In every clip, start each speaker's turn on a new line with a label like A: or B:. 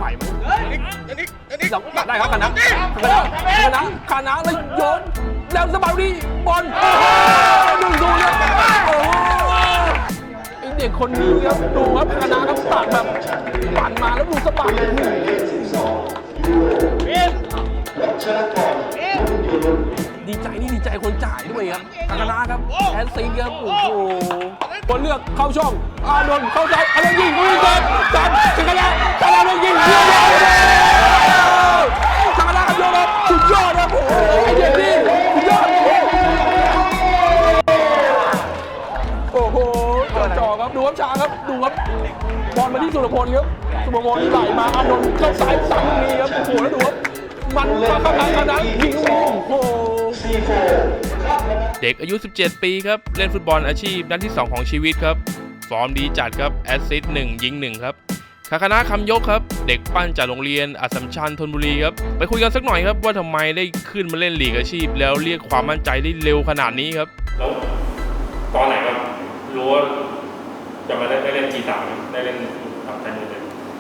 A: ไหวไหมสองได้ครับคณะแล้วโยนแล้วสบายดีบอลดูเนี่ยไอเด็กคนนี้ครับดูครับคณะครับตัดแบบปั่นมาแล้วดูสบายดีใจนี่ดีใจคนจ่ายด้วยครับคณะครับแอนซีครับโอ้โหคนเลือกเข้าช่องอานนท์เข้าใจอานนท์ยิงลุยกันจันคณะยิงคณะครับโยนครับสุดยอดครับโอ้โหไอเด็กนี่สุดยอดโอ้โหจ่อครับดูครับช้าครับดูครับบอลมาที่สุรพลครับสุรพลไหลมาอานนท์เข้าซ้ายสั่งลูกนี้ครับโอ้โหแล้วดูครับมันมาเข้าทางคณะยิงลูกนี้โอ้โห
B: เด็กอายุ 17 ปีครับเล่นฟุตบอลอาชีพนัดที่ 2 ของชีวิตครับฟอร์มดีจัดครับแอสซิสต์1ยิง1ครับคณะคำยกครับเด็กปั้นจากโรงเรียนอัสสัมชัญธนบุรีครับไปคุยกันสักหน่อยครับว่าทำไมได้ขึ้นมาเล่นลีกอาชีพแล้วเรียกความมั่นใจได้เร็วขนาดนี้ครับ
C: แล้วตอนไหนครับรู้ว่าจะมาได้เล่นที3ได้เล่นกับแทนยูเลย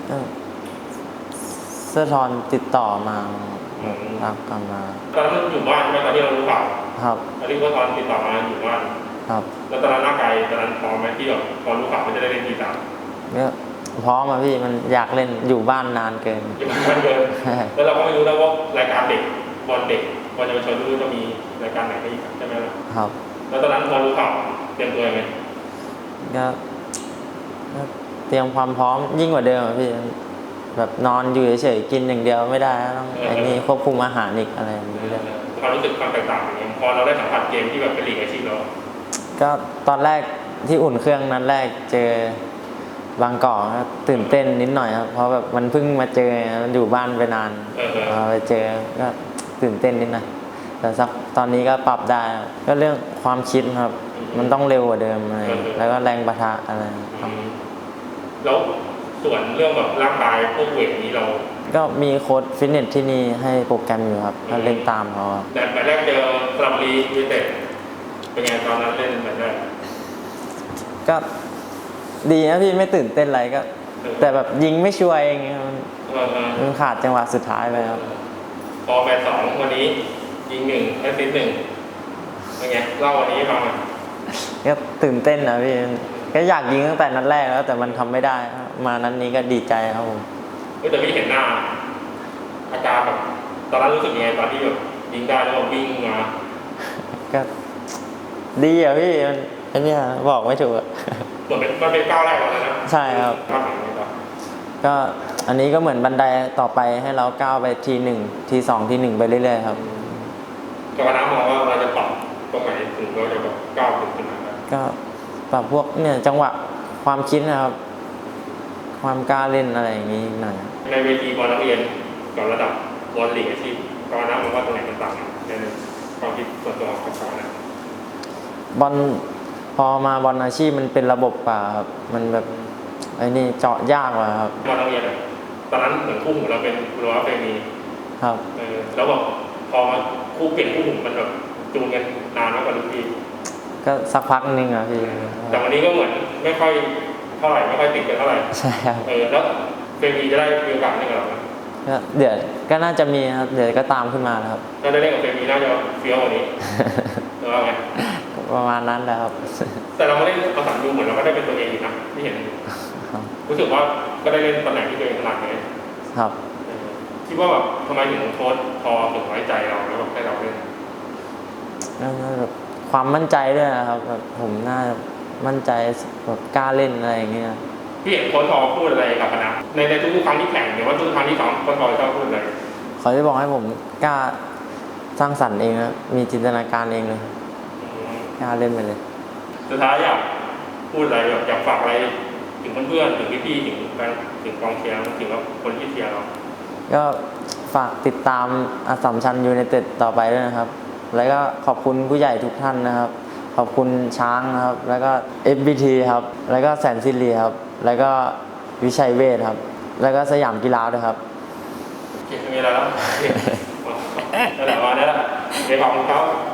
D: เสื้อทอนติดต่อมาครับกลับมา
C: ตอนนั้นอยู่บ้านใช่ไหมตอนที่เรารู้ข่าว
D: ครับ
C: ตอนที่ว่าตอนติดต่อมาอยู่บ้าน
D: ครับ
C: แล้วตอนนั้นร่างกายตอนนั้นพร้อมไหมที่แบบพอรู้ข่าวว่าจะได้เล่นที3
D: ก็พร้อมอ่ะพี่มันอยากเล่นอยู่บ้านนานเกิน
C: อยู่บ้านเกินแล้วเราก็ไม่รู้นะว่ารายการเด็กบอลเด็กบอลเยาวชนรู้จะมีรายการไหนให้อีกใช่ไหมล่ะ
D: ครับ
C: แล้วตอนนั้นพอรู้ข่าวเตรียมตัวยังไง
D: ก็เตรียมความพร้อมยิ่งกว่าเดิมอ่ะพี่แบบนอนอยู่เฉยๆกินอย่างเดียวไม่ได้ต้องไอ้นี่ควบคุมอาหารอีกอะไรอย่างนี้ด้วย
C: ความรู้สึกความแตกต่างอย่างเงี้ยพอเราได้สัมผัสเกมที่แบบเป็นลีกอาชีพแล้ว
D: ก็ตอนแรกที่อุ่นเครื่องนั้นแรกเจอบางกอกตื่นเต้นนิดหน่อยครับเพราะแบบมันเพิ่งมาเจออยู่บ้านไปนานไปเจอก็ตื่นเต้นนิดหน่อยแต่สักตอนนี้ก็ปรับได้ก็เรื่องความคิดครับมันต้องเร็วกว่าเดิมอะไรแล้วก็แรงปะทะอะไร
C: แล้วส่วนเรื่องแบบร่างกายพวกเวทนี้เรา
D: ก็มีโค้ชฟิตเนสที่นี่ให้โปรแกรมอยู่ครับก็เล่นตามเขา
C: แต่แมตช์แรกเจอสระบุรียูไนเต็ดเป็นไงตอนนั้นเล่นแมตช์แรก
D: ก็ดีนะพี่ไม่ตื่นเต้นอะไรก็แต่แบบยิงไม่ช่วยเองมันขาดจังหวะสุดท้ายไปครับ
C: พอแมตช์2วันนี้ยิง1แอสซิสต์1เป็นไงเล่าวันนี้ฟังหน่อย
D: ก็ตื่นเต้นนะพี่ก็อยากยิงตั้งแต่นัดแรกแล้วแต่มันทำไม่ได้มานัดนี้ก็ดีใจครับผม
C: แต่พี่เห็นหน้าอาการแบบตอนนั้นรู้สึกยังไงตอนที่แบบยิงได้แล้ววิ่งมา
D: ก็ดีอ่ะพี่มันอันนี้บอกไม่ถูกอ่ะ
C: เหมือนมันเป็นก้าวแรกแล้วนะ
D: ใช่ครับก็อันนี้ก็เหมือนบันไดต่อไปให้เราก้าวไปที1ที2ที1ไปเรื่อยๆครับ
C: กรรมการมองว่าเราจะปรับตรงไหนถึงเราจะแบบก้าวถึงขนาดนั้น
D: ก็ปรับพวกเนี่ยจังหวะความคิดนะครับความกล้าเล่นอะไรอย่างนี้หน่อย
C: ในเวทีบอลนักเรียนกับระดับบอลลีกอาชีพกรรมการมองว่าตรงไหนมันต่างในความคิดส่วนตัวของเขาเนี่ย
D: บอลพอมาบอลอาชีพมันเป็นระบบกว่าครับมันแบบไอ้นี่เจาะยากกว่าครับ
C: บอลนักเรียนตอนนั้นเหมือนคู่หูเราเป็นรัวเฟมี
D: ครับ
C: แล้วแบบพอมาคู่เปลี่ยนคู่หูมันแบบจูนกันนานมากกว่าทุกที
D: ก็สักพักนึงอ่ะพี่
C: แต่วันนี้ก็เหมือนไม่ค่อยเท่าไหร่ไม่ค่อยติดกันเท่าไหร่
D: ใช่ครับ
C: แล้วเฟมีจะได้มีโอกาสเล่นกับเราไหม
D: ก็เดี๋ยวก็น่าจะมีครับเดี๋ยวก็ตามขึ้นมาครับ
C: ถ้าได้เล่นกับเฟมีน่าจะเฟี้ยวกว่านี้หรือว่าไง
D: ประมาณนั้นแหละครับ
C: แต่เราไม่ได้ประสานดูเหมือนเราก็ได้เป็นตัวเองอยู่นะที่เห็นรู้สึกว่าก็ได้เล่นตำแหน่งที่ตัวเองถนัดเลย
D: ครับ
C: คิดว่าแบบทำไมถึงโค้ชพอถึงไว้ใจเราแล้วแบบให้เราเล่น
D: แบบความมั่นใจด้วยนะครับแบบผมน่ามั่นใจแบบกล้าเล่นอะไรอย่างเงี้ย
C: พี่เห็นโค้ชพอพูดอะไรกับคณะในทุกครั้งที่แข่งหรือว่าทุกครั้งที่ซ้อมโค้ชพอชอบพูดอะไร
D: เขาจะบอกให้ผมกล้าสร้างสรรค์เองนะมีจินตนาการเองเลยกล้าเล่นไปเลย
C: สุดท้ายอยากพูดอะไรอยากฝากอะไรถึงเพื่อนๆถึงพี่ๆถึงแฟนถึงกองเชียร์ถึงคนที่เชียร์เรา
D: ก็ฝากติดตามอัสสัมชัญยูไนเต็ดต่อไปด้วยนะครับแล้วก็ขอบคุณผู้ใหญ่ทุกท่านนะครับขอบคุณช้างนะครับแล้วก็ FBT ครับแล้วก็แสนสิริครับแล้วก็วิชัยเวชครับแล้วก็สยามกีฬาด้วยครับ
C: มีอะไรแล้วนั่นแหละวันนี้แหละเดี๋ยวขอบคุณเขา